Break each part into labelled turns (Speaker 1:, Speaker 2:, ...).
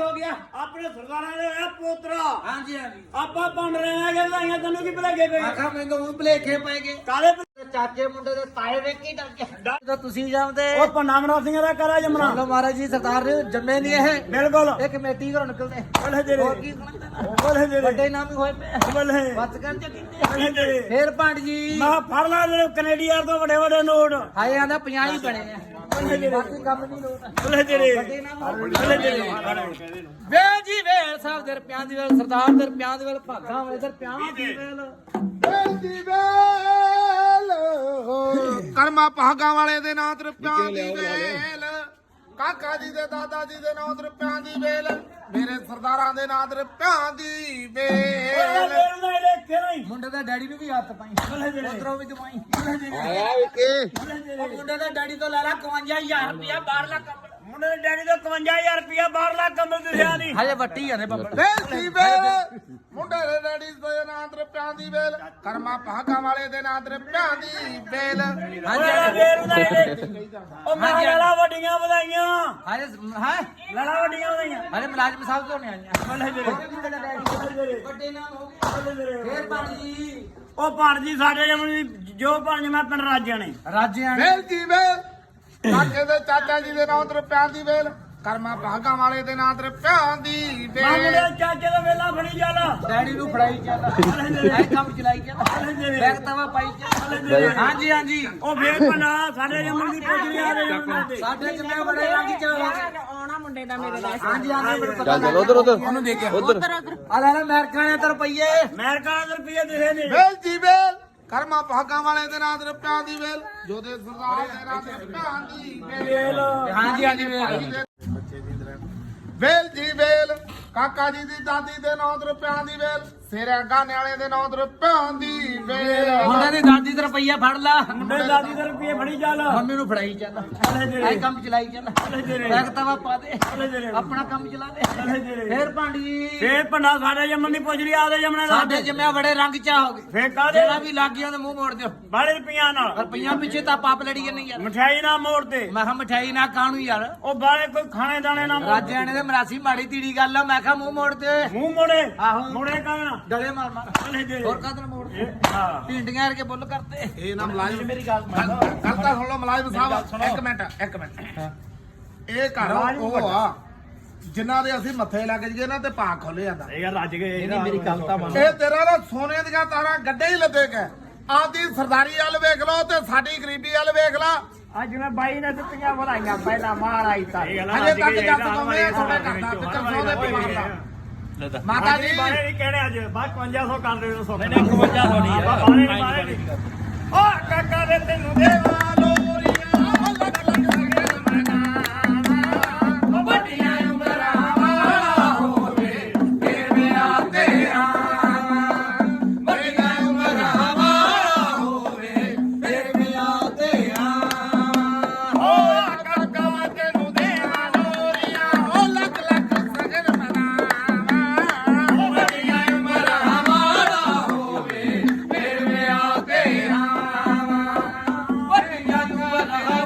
Speaker 1: ਹੋ ਗਿਆ?
Speaker 2: ਆਪਣੇ ਸਰਦਾਰਾਂ ਦੇ ਹੋਇਆ ਪੋਤਰਾ।
Speaker 1: ਹਾਂਜੀ ਹਾਂਜੀ।
Speaker 2: ਆਪਾਂ ਬਣ ਰਹੇ ਆ ਕਿ ਲਾਈਆਂ ਤੈਨੂੰ ਕੀ ਭਲੇਗੇ ਪਏ?
Speaker 1: ਆਖਾ ਮੈਨੂੰ ਉਹ ਭਲੇਖੇ ਪੈ ਗਏ।
Speaker 2: ਕਾਲੇ
Speaker 1: ਚਾਚੇ ਮੁੰਡੇ ਦੇ ਤਾਏ ਵੇਖੀ ਡਰ ਗਿਆ। ਜਦੋਂ ਤੁਸੀਂ ਜਾਂਦੇ
Speaker 2: ਉਹ ਪੰਨਾ ਮਰਾ ਸਿੰਘ ਦਾ ਕਰਾ ਜਮਣਾ।
Speaker 1: ਚਲੋ ਮਹਾਰਾਜ ਜੀ ਸਰਦਾਰ ਨੇ ਜੰਮੇ ਨਹੀਂ ਇਹ।
Speaker 2: ਬਿਲਕੁਲ
Speaker 1: ਇਹ ਕਮੇਟੀ ਘਰੋਂ ਨਿਕਲਦੇ।
Speaker 2: ਬੋਲੇ ਜਿਹੜੇ
Speaker 1: ਹੋਰ ਕੀ ਸੁਣਦੇ?
Speaker 2: ਬੋਲੇ ਜਿਹੜੇ
Speaker 1: ਵੱਡੇ ਨਾਮ ਹੀ ਹੋਏ ਪਏ।
Speaker 2: ਬੋਲੇ
Speaker 1: ਬਸ ਕਰਨ ਚ
Speaker 2: ਬੋਲੇ ਜਿਹੜੇ
Speaker 1: ਫੇਰ ਪੰਡ ਜੀ
Speaker 2: ਮੈਂ ਫੜ ਲਾ ਜਿਹੜੇ ਕੈਨੇਡੀਅਨ ਤੋਂ ਵੱਡੇ ਵੱਡੇ ਨੋਟ।
Speaker 1: ਹਾਏ ਆਂਦਾ 50 ਹੀ ਬਣੇ ਆ। ਬਾਕੀ ਕੰਮ ਨਹੀਂ ਲੋਟ।
Speaker 2: ਬੋਲੇ ਜਿਹੜੇ
Speaker 1: ਵੱਡੇ ਨਾਮ
Speaker 2: ਬੋਲੇ ਜਿਹੜੇ
Speaker 1: ਵੇ ਜੀ ਵੇ ਸਾਹਿਬ ਦੇ ਰੁਪਿਆਂ ਦੀ ਵੇਲ ਸਰਦਾਰ ਦੇ ਰੁਪਿਆਂ ਦੀ ਵੇਲ ਭਾਗਾਂ ਵੇਲੇ ਰੁਪਿਆਂ ਦੀ ਵੇਲ
Speaker 3: ਦੀ ਵੇਲ ਕਰਮਾ ਭਾਗਾਂ ਵਾਲੇ ਦੇ ਨਾਂ ਤੇ ਰੁਪਿਆਂ ਦੀ ਵੇਲ ਕਾਕਾ ਜੀ ਦੇ ਦਾਦਾ ਜੀ ਦੇ ਨਾਂ ਤੇ ਰੁਪਿਆਂ ਦੀ ਵੇਲ ਮੇਰੇ ਸਰਦਾਰਾਂ ਦੇ ਨਾਂ ਤੇ ਰੁਪਿਆਂ ਦੀ ਵੇਲ
Speaker 1: ਮੁੰਡੇ ਦਾ ਡੈਡੀ ਨੂੰ ਵੀ ਹੱਥ ਪਾਈ ਉਧਰੋਂ ਵੀ ਜਮਾਈ
Speaker 3: ਆਇਆ ਵਿਕੇ
Speaker 1: ਮੁੰਡੇ ਦਾ ਡੈਡੀ ਤੋਂ ਲੈ ਲਾ 51000 ਰੁਪਇਆ ਬਾਹਰਲਾ ਕੰਮ
Speaker 2: ਮੁੰਡੇ ਦੇ ਡੈਡੀ ਤੋਂ 51000 ਰੁਪਇਆ ਬਾਹਰਲਾ ਕੰਬਲ ਦਿਸਿਆ ਨਹੀਂ।
Speaker 1: ਹਜੇ ਵੱਟੀ ਆ ਨੇ ਬੱਬਲ
Speaker 3: ਵੇਲ ਦੀ ਵੇਲ ਮੁੰਡੇ ਦੇ ਡੈਡੀ ਦੇ ਨਾਂ ਤੇ ਰੁਪਿਆਂ ਦੀ ਵੇਲ ਕਰਮਾ ਭਾਗਾਂ ਵਾਲੇ ਦੇ ਨਾਂ ਤੇ ਰੁਪਿਆਂ ਦੀ ਵੇਲ
Speaker 2: ਉਹ ਮੈਂ ਲਾਲਾ ਵੱਡੀਆਂ ਵਧਾਈਆਂ।
Speaker 1: ਹਜੇ ਹੈ
Speaker 2: ਲਾਲਾ ਵੱਡੀਆਂ ਵਧਾਈਆਂ।
Speaker 1: ਹਜੇ ਮੁਲਾਜ਼ਮ ਸਾਹਿਬ ਤੋਂ ਨਹੀਂ ਆਈਆਂ ਵੱਡੇ ਨਾਮ ਹੋ ਗਏ ਫੇਰ ਪਾਣੀ
Speaker 2: ਉਹ ਭਾਣਜੀ ਸਾਡੇ ਜਮਣੀ ਜੋ ਭਾਣਜ ਮੈਂ ਪਿੰਡ ਰਾਜਿਆਂ ਨੇ
Speaker 1: ਰਾਜਿਆਂ
Speaker 3: ਵੇਲ ਦੀ ਵੇਲ ਕਾਕੇ ਦੇ ਚਾਚਾ ਜੀ ਦੇ ਨਾਂ ਤੇ ਰੁਪਿਆਂ ਦੀ ਵੇਲ ਕਰਮਾ ਭਾਗਾਂ ਵਾਲੇ ਦੇ ਨਾਂ ਤੇ ਰੁਪਿਆਂ ਦੀ
Speaker 2: ਮੈਂ ਮੁੰਡੇ
Speaker 3: ਵੇਲ
Speaker 2: ਚਾਚੇ ਦਾ ਵੇਲਾ ਫੜੀ ਚੱਲ।
Speaker 1: ਡੈਡੀ ਨੂੰ ਫੜਾਈ ਚੱਲ ਐ ਕੰਮ ਚਲਾਈ ਚੱਲ ਬੈਗ ਤਵਾ ਪਾਈ ਚੱਲ ਹਾਂਜੀ ਹਾਂਜੀ
Speaker 2: ਉਹ ਫੇਰ ਪਨਾ ਸਾਡੇ ਜਮਣ ਦੀ ਪੁੱਛ ਆ ਰਹੇ ਜਮਣ ਦੇ
Speaker 1: ਸਾਡੇ ਚ ਮੈਂ ਬੜੇ ਰੰਗ ਚ
Speaker 4: ਆਉਣਾ ਮੁੰਡੇ ਦਾ ਮੇਰੇ ਦਾ
Speaker 1: ਹਾਂਜੀ ਹਾਂਜੀ ਮੈਨੂੰ ਪਤਾ ਚੱਲ
Speaker 5: ਉਧਰ ਉਧਰ
Speaker 1: ਉਹਨੂੰ ਦੇ ਕੇ
Speaker 5: ਉਧਰ
Speaker 1: ਆ ਲੈ ਅਮਰੀਕਾ ਨੇ ਤਾਂ ਰੁਪਈਏ
Speaker 2: ਅਮਰੀਕਾ ਦੇ ਰੁਪਏ ਦਿਸੇ ਨੇ।
Speaker 3: ਵੇਲ ਦੀ ਵੇਲ ਕਰਮਾ ਭਾਗਾਂ ਵਾਲੇ ਦੇ ਨਾਂ ਤੇ ਰੁਪਿਆਂ ਦੀ ਵੇਲ ਜੋਦੇ ਸਰਦਾਰ ਦੇ ਨਾਂ ਤੇ ਰੁਪਿਆਂ ਦੀ ਵੇਲ
Speaker 1: ਹਾਂਜੀ ਹਾਂਜੀ ਵੇਖ
Speaker 3: ਵੇਲ ਜੀ ਵੇਲ ਕਾਕਾ ਜੀ ਦੀ ਦਾਦੀ ਦੇ ਨਾਂ ਤੇ ਰੁਪਿਆਂ ਦੀ ਵੇਲ ਸੇਰੇ ਗਾਣੇ ਵਾਲੇ ਦੇ ਨਾਂ ਤੇ ਰੁਪਿਆਂ ਦੀ ਵੇਲ
Speaker 1: ਮੁੰਡੇ ਦੀ ਦਾਦੀ ਦਾ ਰੁਪਈਆ ਫੜ ਲਾ
Speaker 2: ਮੁੰਡੇ ਦਾਦੀ ਦੇ ਰੁਪਏ ਫੜੀ ਚੱਲ।
Speaker 1: ਮੰਮੀ ਨੂੰ ਫੜਾਈ ਚੱਲ ਐ ਕੰਮ ਚਲਾਈ ਚੱਲ ਬੈਗ ਤਵਾ ਪਾ ਦੇ ਆਪਣਾ ਕੰਮ ਚਲਾ ਦੇ ਫੇਰ ਭਾਂਡੀ
Speaker 2: ਫੇਰ ਪੰਨਾ ਸਾਡੇ ਜਮਣ ਦੀ ਪੁੱਛ ਆਦੇ ਜਮਣੇ ਦਾ
Speaker 1: ਸਾਡੇ ਜੰਮਿਆ ਬੜੇ ਰੰਗ ਚਾ ਹੋ ਗਏ
Speaker 2: ਫੇਰ ਕਾਦੇ
Speaker 1: ਜਿਹੜਾ ਵੀ ਲੱਗ ਗਿਆ ਉਹਦੇ ਮੂੰਹ ਮੋੜ ਦਿਓ
Speaker 2: ਬਾੜੇ ਰੁਪਈਆਂ ਨਾਲ
Speaker 1: ਰੁਪਈਆ ਪਿੱਛੇ ਤਾਂ ਪਾਪ ਲੜੀ ਜਾਂਦੇ ਯਾਰ
Speaker 2: ਮਠਿਆਈ ਨਾ ਮੋੜ ਦੇ।
Speaker 1: ਮੈਂ ਕਿਹਾ ਮਠਾਈ ਨਾ ਕਾਣੂ ਯਾਰ
Speaker 2: ਉਹ ਬਾੜੇ ਕੋਈ ਖਾਣੇ ਦਾਣੇ ਨਾ ਮੋੜ।
Speaker 1: ਰਾਜਿਆਣੇ ਦੇ ਮਰਾਸੀ ਮਾੜੀ ਤੀੜੀ ਗੱਲ ਆ ਮੈਂ ਕਿਹਾ ਮੂੰਹ ਮੋੜ ਦੇ
Speaker 2: ਮੂੰਹ ਮੋੜੇ
Speaker 1: ਆਹੋ
Speaker 2: ਮੋੜੇ ਕਾਹਨਾ
Speaker 1: ਡਲੇ ਮਾਰ ਮਾਰ ਹੋਰ ਕਾਹਦੇ ਮੋੜ ਦੇ
Speaker 2: ਹਾਂ
Speaker 1: ਭਿੰਡੀਆਂ ਵਰਗੇ ਬੁੱਲ ਕਰਤੇ
Speaker 3: ਇਹ ਨਾ ਮਲਾਜ਼ਮ
Speaker 1: ਮੇਰੀ ਗੱਲ
Speaker 3: ਗੱਲ ਤਾਂ ਸੁਣ ਲਓ ਮਲਾਜ਼ਮ ਸਾਹਿਬ ਇੱਕ ਮਿੰਟ ਇਹ ਘਰ ਉਹ ਆ ਜਿਨ੍ਹਾਂ ਦੇ ਅਸੀਂ ਮੱਥੇ ਲੱਗ ਜੀਏ ਨਾ ਤੇ ਭਾਗ ਖੋਲੇ ਜਾਂਦਾ
Speaker 2: ਇਹ ਰੱਜ ਗਏ
Speaker 1: ਇਹਦੀ ਮੇਰੀ ਗੱਲ ਤਾਂ ਮੰਨ
Speaker 3: ਇਹ ਤੇਰਾ ਨਾ ਸੋਨੇ ਦੀਆਂ ਤਾਰਾਂ ਗੱਡੇ ਹੀ ਲੱਦੇ ਗਏ ਆਪਦੀ ਸਰਦਾਰੀ ਵੱਲ ਵੇਖ ਲਓ ਤੇ ਸਾਡੀ ਗਰੀਬੀ ਵੱਲ ਵੇਖ ਲਾ
Speaker 2: ਅੱਜ ਮੈਂ ਬਾਈ ਨੇ ਦਿੱਤੀਆਂ ਵਧਾਈਆਂ ਪਹਿਲਾਂ ਮਹਾਰਾਜ ਤਾਂ
Speaker 3: ਹਜੇ ਤੱਕ ਜੱਟ ਕਮੇ ਤੁਹਾਡੇ ਘਰ ਦਾ ਫਿਕਰ ਸੋਦੇ ਪਰਿਵਾਰ ਦਾ ਮਾਤਾ ਜੀ
Speaker 2: ਬਾਰੇ ਨਹੀਂ ਕਹਿਣੇ ਅੱਜ ਬਾਅਦ 5500 ਕਰ ਦੇ ਦੋ ਨਹੀਂ 5500 ਨਹੀਂ ਬਾਰੇ ਨਹੀਂ ਓ ਕਾਕਾ ਦੇ ਤੈਨੂੰ ਦੇਵਾ ਲੋਰੀਆਂ ਲੱਗ ਲੱਗ ਸਗੇ ਮਨਾ ਵੱਡੀਆਂ ਉਮਰਾਂ ਵਾਲਾ ਹੋਵੇ ਫੇਰ ਮੇਰਾ ਤੇਰਾ ਵੱਡੀਆਂ ਉਮਰਾਂ ਵਾਲਾ ਹੋਵੇ ਫੇਰ ਮੇਰਾ ਤੇਰਾ ਓ ਕਾਕਾ ਤੈਨੂੰ ਦੇਵਾ ਲੋਰੀਆਂ ਓ ਲੱਗ ਲੱਗ ਸਗੇ ਮਨਾ ਵੱਡੀਆਂ ਉਮਰਾਂ ਵਾਲਾ ਹੋਵੇ ਫੇਰ ਮੇਰਾ ਤੇਰਾ ਵੱਡੀਆਂ ਉਮਰਾਂ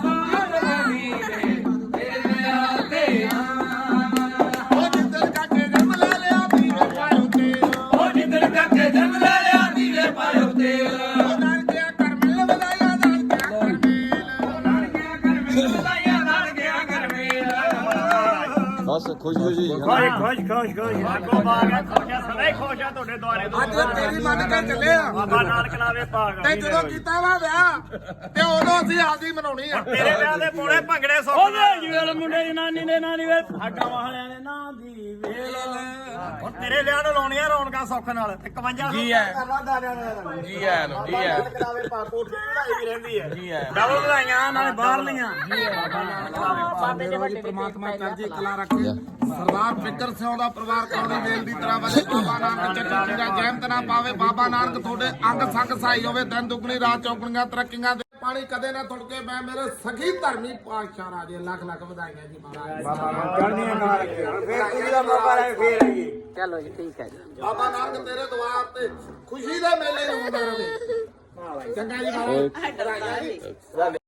Speaker 3: ਉਹ ਜਿੱਦਣ ਕਾਕੇ ਜੰਮ ਲੈ ਲਿਆ ਵੀਰੇ ਪਾਇਓ ਤੇਲ
Speaker 2: ਉਹ ਜਿੱਦਣ ਕਾਕੇ ਜੰਮ ਲੈ ਲਿਆ ਦੀਵੇ ਪਾਇਓ ਤੇਲ
Speaker 3: ਉਹ ਨਾਨਕਿਆ ਕਰ ਮਿਲ ਵਧਾਈਆਂ ਨਾਨਕਿਆ ਕਰ ਮਿਲ
Speaker 2: ਵਧਾਈਆਂ ਨਾਲ ਗਿਆ ਗਰਮੇਲ
Speaker 5: ਬਸ ਖੁਸ਼ ਖੁਸ਼ੀ
Speaker 2: ਖੁਸ਼ ਆਗੋ ਬਾਗਾ ਖੋਸ਼ਾ ਸਦਾ ਖੋਸ਼ਾ ਤੁਹਾਡੇ ਦੁਆਰੇ
Speaker 3: ਅੱਜ ਤੇਰੀ ਮੰਨ ਕੇ ਚੱਲੇ ਆ
Speaker 2: ਬਾਬਾ ਨਾਨਕ ਨਾਵੇ ਭਾਗ
Speaker 3: ਤੇ ਜਦੋਂ ਕੀਤਾ ਵਾ ਵਿਆਹ ਤੇ ਉਦੋਂ ਅਸੀਂ ਆਪਦੀ ਮਨਾਉਣੀ ਆ
Speaker 2: ਤੇਰੇ ਵਿਆਹ ਦੇ ਪੋੜੇ ਭੰਗੜੇ ਸੁੱਕ ਉਹਦੇ ਜੀਵਲ ਮੁੰਡੇ ਦੀ ਨਾਨੀ ਦੇ ਨਾਂ ਦੀ ਵੇ ਸਾਡਾ ਵਾਲਿਆਂ ਦੇ ਨਾਂ ਦੀ ਵੇਲ ਹੁਣ ਤੇਰੇ ਵਿਆਹ ਨੂੰ ਲਾਉਣੀਆਂ ਰੌਣਕਾਂ ਸੁੱਖ ਨਾਲ ਤੇ 51
Speaker 5: ਜੀ ਹੈ ਜੀ ਹੈ ਜੀ ਹੈ
Speaker 2: ਕਰਾਵੇ ਪਾ ਕੋਠੀ ਵਧਾਈ ਵੀ ਰਹਿੰਦੀ ਹੈ ਜੀ ਹੈ ਡਬਲ ਵਧਾਈਆਂ ਨਾਲੇ ਬਾਹਰਲੀਆਂ
Speaker 4: ਬਾਬੇ ਦੇ ਵੱਡੇ
Speaker 3: ਪ੍ਰਮਾਤਮਾ ਚੜ੍ਹਦੀ ਕਲਾ ਰੱਖੇ ਸਰਦਾਰ ਫਿਕਰ ਸਿੰਘ ਦਾ ਪਰਿਵਾਰ ਕੌਣੀ ਵੇਲ ਦੀ ਤਰ੍ਹਾਂ ਵਜੇ ਬਾਬਾ ਨਾਨਕ ਚੱਕੀ ਦਾ ਜੈਮਤ ਨਾ ਪਾਵੇ ਬਾਬਾ ਨਾਨਕ ਤੁਹਾਡੇ ਅੰਗ ਸੰਗ ਸਹਾਈ ਹੋਵੇ ਦਿਨ ਦੁਗਣੀ ਰਾਤ ਚੌਗਣੀਆਂ ਤਰੱਕੀਆਂ ਦੇ ਪਾਣੀ ਕਦੇ ਨਾ ਥੁੜਕੇ ਮੈਂ ਮੇਰੇ ਸਖੀ ਧਰਮੀ ਪਾਤਸ਼ਾਹ ਰਾਜੇ ਲੱਖ ਲੱਖ ਵਧਾਈਆਂ ਜੀ ਮਹਾਰਾਜ
Speaker 2: ਚੜ੍ਹਨੀਆਂ ਨਾਲ ਫੇਰ ਕੁੜੀ ਦਾ ਮੌਕਾ ਲੈ ਫੇਰ ਆਈਏ
Speaker 4: ਚਲੋ ਜੀ ਠੀਕ ਹੈ ਜੀ
Speaker 3: ਬਾਬਾ ਨਾਨਕ ਤੇਰੇ ਦੁਆਰ ਤੇ ਖੁਸ਼ੀ ਦੇ ਮੇਲੇ ਨੂੰ ਆਉਂਦਾ ਰਹੇ ਚੰਗਾ ਜੀ ਮਹਾਰਾਜ ਵਧਾਈਆਂ ਜੀ